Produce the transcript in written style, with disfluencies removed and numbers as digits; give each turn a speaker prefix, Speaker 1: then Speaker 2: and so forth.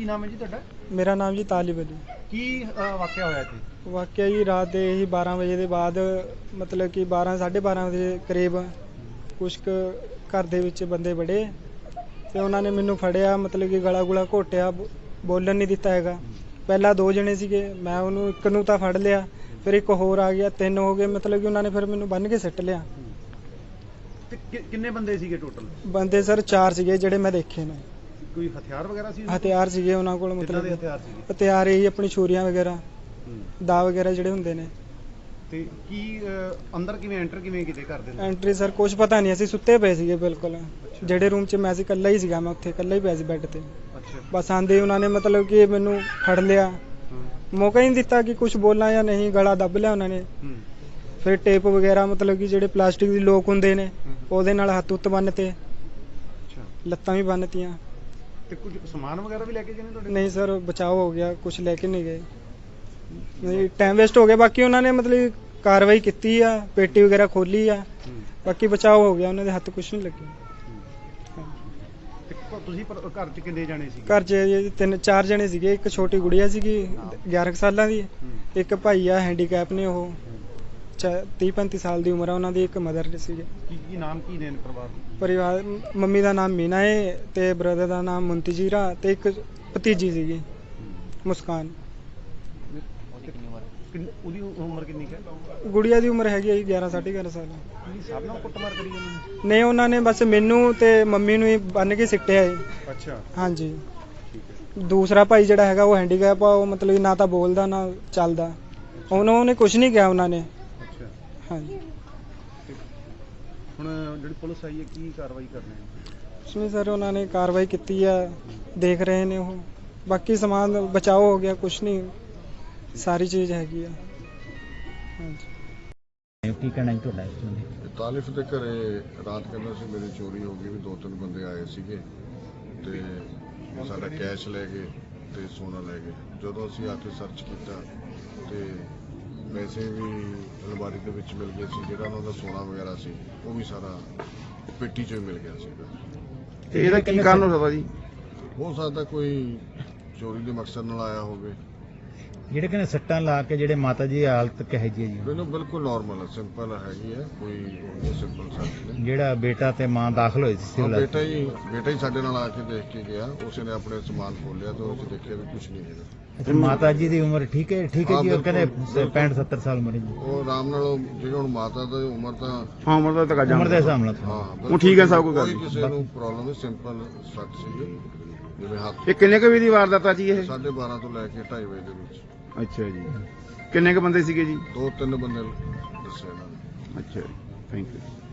Speaker 1: ਕੀ ਨਾਮ ਹੈ ਜੀ ਤੁਹਾਡਾ?
Speaker 2: ਮੇਰਾ ਨਾਮ ਜੀ ਤਾਲਿਬ ਅਲੀ।
Speaker 1: ਕੀ ਵਾਕਿਆ ਹੋਇਆ ਇੱਥੇ?
Speaker 2: ਵਾਕਿਆ ਜੀ ਰਾਤ ਦੇ ਹੀ 12 ਵਜੇ ਦੇ ਬਾਅਦ ਮਤਲਬ ਕਿ 12 12:30 ਵਜੇ ਕਰੀਬ ਕੁਛ ਕੁ ਘਰ ਦੇ ਵਿੱਚ ਬੰਦੇ ਵੜੇ ਤੇ ਉਹਨਾਂ ਨੇ ਮੈਨੂੰ ਫੜਿਆ, ਮਤਲਬ ਕਿ ਗਲਾ ਗੁਲਾ ਘੋਟਿਆ, ਬੋਲਣ ਨਹੀਂ ਦਿੱਤਾ ਹੈਗਾ। ਪਹਿਲਾਂ 2 ਜਣੇ ਸੀਗੇ, ਮੈਂ ਉਹਨੂੰ ਇੱਕ ਨੂੰ ਤਾਂ ਫੜ ਲਿਆ, ਫਿਰ ਇੱਕ ਹੋਰ ਆ ਗਿਆ, 3 ਹੋ ਗਏ। ਮਤਲਬ ਕਿ ਉਹਨਾਂ ਨੇ ਫਿਰ ਮੈਨੂੰ ਬੰਨ੍ਹ ਕੇ ਸਿੱਟ ਲਿਆ।
Speaker 1: ਤੇ ਕਿੰਨੇ ਬੰਦੇ ਸੀਗੇ ਟੋਟਲ?
Speaker 2: ਬੰਦੇ ਸਰ 4 ਸੀਗੇ ਜਿਹੜੇ ਮੈਂ ਦੇਖੇ ਨੇ।
Speaker 1: ਕੋਈ ਹਥਿਆਰ ਵਗੈਰਾ ਸੀ?
Speaker 2: ਹਥਿਆਰ ਸੀਗੇ ਉਹਨਾਂ ਕੋਲ, ਮਤਲਬ
Speaker 1: ਹਥਿਆਰ ਸੀਗੇ?
Speaker 2: ਹਥਿਆਰ ਇਹੀ ਆਪਣੀ ਛੁਰੀਆਂ ਵਗੈਰਾ, ਦਾ ਵਗੈਰਾ ਜਿਹੜੇ ਹੁੰਦੇ ਨੇ।
Speaker 1: ਤੇ ਕੀ ਅੰਦਰ ਕਿਵੇਂ ਐਂਟਰ ਕਿਵੇਂ ਕੀਤੇ ਘਰ ਦੇ?
Speaker 2: ਐਂਟਰੀ ਸਰ ਕੁਝ ਪਤਾ ਨਹੀਂ, ਅਸੀਂ ਸੁੱਤੇ ਪਏ ਸੀਗੇ ਬਿਲਕੁਲ। ਜਿਹੜੇ ਰੂਮ 'ਚ ਮੈਂ ਸੀ ਇਕੱਲਾ ਹੀ ਸੀਗਾ, ਮੈਂ ਉੱਥੇ ਇਕੱਲਾ ਹੀ ਪਿਆ ਸੀ ਬੈੱਡ ਤੇ। ਬਸ ਆਂਦੇ ਉਹਨਾਂ ਨੇ ਮਤਲਬ ਕਿ ਮੈਨੂੰ ਫੜ ਲਿਆ, ਮੌਕਾ ਹੀ ਨਹੀਂ ਦਿੱਤਾ ਕਿ ਕੁਝ ਬੋਲਾਂ ਜਾਂ ਨਹੀਂ, ਗਲਾ ਦੱਬ ਲਿਆ ਉਹਨਾਂ ਨੇ। ਫਿਰ ਟੇਪ ਵਗੈਰਾ, ਮਤਲਬ ਕਿ ਜਿਹੜੇ ਪਲਾਸਟਿਕ ਦੀ ਲੋਕ ਹੁੰਦੇ ਨੇ ਉਹਦੇ ਨਾਲ ਹੱਥ ਉੱਤ ਬੰਨ ਤੇ, ਲੱਤਾਂ ਵੀ ਬੰਨਤੀਆਂ।
Speaker 1: ਤੇ ਕੁਝ ਸਮਾਨ ਵਗੈਰਾ ਵੀ ਲੈ ਕੇ ਗਏ ਨੇ ਤੁਹਾਡੇ?
Speaker 2: ਨਹੀਂ ਸਰ, ਬਚਾਅ ਹੋ ਗਿਆ, ਕੁਝ ਲੈ ਕੇ ਨਹੀਂ ਗਏ। ਨਹੀਂ, ਟਾਈਮ ਵੇਸਟ ਹੋ ਗਿਆ। ਬਾਕੀ ਉਹਨਾਂ ਨੇ ਮਤਲਬ ਕਾਰਵਾਈ ਕੀਤੀ ਆ, ਪੇਟੀ ਵਗੈਰਾ ਖੋਲੀ ਆ, ਬਾਕੀ ਬਚਾਅ ਹੋ ਗਿਆ, ਉਹਨਾਂ ਦੇ ਹੱਥ ਕੁਝ ਨਹੀਂ ਲੱਗੇ।
Speaker 1: ਤੁਸੀਂ ਘਰ 'ਚ ਕਿੰਨੇ ਜਾਣੇ ਸੀ?
Speaker 2: ਘਰ 'ਚ 3-4 ਜਣੇ ਸੀਗੇ। ਇੱਕ ਛੋਟੀ ਗੁੜੀਆ ਸੀਗੀ 11 ਸਾਲਾਂ ਦੀ, ਇੱਕ ਭਾਈ ਆ ਹੈਂਡੀਕੈਪ ਨੇ, ਉਹ 30-35 ਸਾਲ ਦੀ ਉਮਰ ਆ ਉਹਨਾਂ ਦੀ, ਇੱਕ ਮਦਰ ਸੀਗੇ।
Speaker 1: ਕੀ ਨਾਮ ਕੀ ਨੇ
Speaker 2: ਪਰਿਵਾਰ? ਮੰਮੀ ਦਾ ਨਾਮ ਮੀਨਾ ਹੈ ਤੇ ਬ੍ਰਦਰ ਦਾ ਨਾਮ ਮੁੰਤਜੀਰਾ ਤੇ ਇੱਕ ਭਤੀਜੀ ਸੀਗੀ ਮੁਸਕਾਨ।
Speaker 1: ਉਹਦੀ ਉਮਰ ਕਿੰਨੀ ਹੈ?
Speaker 2: ਗੁੜੀਆ ਦੀ ਉਮਰ ਹੈਗੀ 11 11.5 ਸਾਲ।
Speaker 1: ਸਭ ਨਾਲ ਕੁੱਟਮਾਰ ਕਰੀ ਜਾਂਦੇ?
Speaker 2: ਨਹੀਂ, ਉਹਨਾਂ ਨੇ ਬਸ ਮੈਨੂੰ ਤੇ ਮੰਮੀ ਨੂੰ ਹੀ ਬੰਨ ਕੇ ਸਿੱਟਿਆ ਹੈ।
Speaker 1: ਅੱਛਾ,
Speaker 2: ਹਾਂਜੀ।
Speaker 1: ਠੀਕ ਹੈ।
Speaker 2: ਦੂਸਰਾ ਭਾਈ ਜਿਹੜਾ ਹੈਗਾ ਉਹ ਹੈਂਡੀਕੈਪ ਆ, ਉਹ ਮਤਲਬ ਨਾ ਤਾਂ ਬੋਲਦਾ ਨਾ ਚੱਲਦਾ। ਉਹਨੇ ਕੁਝ ਨਹੀਂ ਕਿਹਾ ਉਹਨਾਂ ਨੇ।
Speaker 1: ਅੱਛਾ,
Speaker 2: ਹਾਂਜੀ।
Speaker 1: ਹੁਣ ਜਿਹੜੀ ਪੁਲਿਸ ਆਈ ਹੈ ਕੀ ਕਾਰਵਾਈ ਕਰ ਰਹੇ ਹੈ?
Speaker 2: ਕੁਛ ਨਹੀਂ ਸਰ, ਉਹਨਾਂ ਨੇ ਕਾਰਵਾਈ ਕੀਤੀ ਆ, ਦੇਖ ਰਹੇ ਨੇ ਉਹ। ਬਾਕੀ ਸਮਾਨ ਬਚਾਓ ਹੋ ਗਿਆ, ਕੁਛ ਨਹੀਂ, ਸਾਰੀ ਚੀਜ਼ ਹੈਗੀ ਆ। ਹਾਂਜੀ।
Speaker 3: ਕੀ ਕਹਿਣਾ ਜੀ ਤੁਹਾਡਾ?
Speaker 4: ਤਾਲਿਫ ਦੇ ਘਰੇ ਰਾਤ ਕਹਿੰਦਾ ਸੀ ਮੇਰੀ ਚੋਰੀ ਹੋ ਗਈ, ਵੀ 2-3 ਬੰਦੇ ਆਏ ਸੀਗੇ ਤੇ ਸਾਡਾ ਕੈਸ਼ ਲੈ ਗਏ ਤੇ ਸੋਨਾ ਲੈ ਗਏ। ਜਦੋਂ ਅਸੀਂ ਆ ਕੇ ਸਰਚ ਕੀਤਾ ਤੇ ਪੈਸੇ ਵੀ ਅਲਮਾਰੀ ਦੇ ਵਿੱਚ ਮਿਲ ਗਏ ਸੀ, ਜਿਹੜਾ ਉਹਨਾਂ ਦਾ ਸੋਨਾ ਵਗੈਰਾ ਸੀ ਉਹ ਵੀ ਸਾਰਾ ਪੇਟੀ 'ਚੋਂ ਹੀ ਮਿਲ ਗਿਆ ਸੀਗਾ।
Speaker 1: ਤੇ ਇਹਦਾ ਕੀ ਕਾਰਨ ਹੋ ਸਕਦਾ ਜੀ?
Speaker 4: ਹੋ ਸਕਦਾ ਕੋਈ ਚੋਰੀ ਦੇ ਮਕਸਦ ਨਾਲ ਆਇਆ ਹੋਵੇ।
Speaker 3: ਜਿਹੜੇ ਕਹਿੰਦੇ ਸੱਟਾਂ ਲਾ ਕੇ ਜਿਹੜੇ ਮਾਤਾ ਜੀ ਦੀ ਹਾਲਤ ਕਿਹੋ ਜਿਹੀ ਹੈ ਜੀ?
Speaker 4: ਮੈਨੂੰ ਬਿਲਕੁਲ ਨਾਰਮਲ ਹੈ, ਸਿੰਪਲ ਹੈਗੀ ਹੈ, ਕੋਈ ਸਿੰਪਲ ਸੱਟ ਨਹੀਂ।
Speaker 3: ਜਿਹੜਾ ਬੇਟਾ ਤੇ ਮਾਂ ਦਾਖਲ ਹੋਏ ਸੀ
Speaker 4: ਬੇਟਾ ਹੀ ਸਾਡੇ ਨਾਲ ਆ ਕੇ ਦੇਖ ਕੇ ਗਿਆ, ਉਸੇ ਨੇ ਆਪਣੇ ਸਮਾਨ ਖੋਲਿਆ ਤੇ ਉਹਦੇ 'ਚ ਦੇਖਿਆ ਵੀ ਕੁਝ ਨਹੀਂ ਹੈਗਾ।
Speaker 3: ਤੇ ਮਾਤਾ ਜੀ ਦੀ ਉਮਰ ਠੀਕ ਹੈ ਜੀ? ਉਹ ਕਹਿੰਦੇ 65-70 ਸਾਲ ਉਮਰ ਹੈ।
Speaker 4: ਉਹ ਆਰਾਮ ਨਾਲ ਜਿਹੜੀ ਹੁਣ ਮਾਤਾ ਦੀ ਉਮਰ ਤਾਂ
Speaker 3: ਉਮਰ ਦੇ ਹਿਸਾਬ ਨਾਲ
Speaker 4: ਉਹ ਠੀਕ ਹੈ, ਸਭ ਕੋਈ ਕਿਸੇ ਨੂੰ ਪ੍ਰੋਬਲਮ ਹੈ, ਸਿੰਪਲ ਸੱਟ ਸੀ ਜਿਵੇਂ ਹੱਥ।
Speaker 1: ਇਹ ਕਿੰਨੇ ਕੁ ਵਜੇ ਦੀ ਵਾਰਦਾਤ ਆ ਜੀ ਇਹ?
Speaker 4: 12:30 ਤੋਂ ਲੈ ਕੇ 2:30 ਵਜੇ ਦੇ ਵਿੱਚ।
Speaker 1: ਅੱਛਾ ਜੀ। ਕਿੰਨੇ ਕੁ ਬੰਦੇ ਸੀਗੇ ਜੀ?
Speaker 4: 2-3 ਬੰਦੇ ਦੱਸੇ ਇਹਨਾਂ ਨੇ।
Speaker 1: ਅੱਛਾ, ਥੈਂਕ ਯੂ।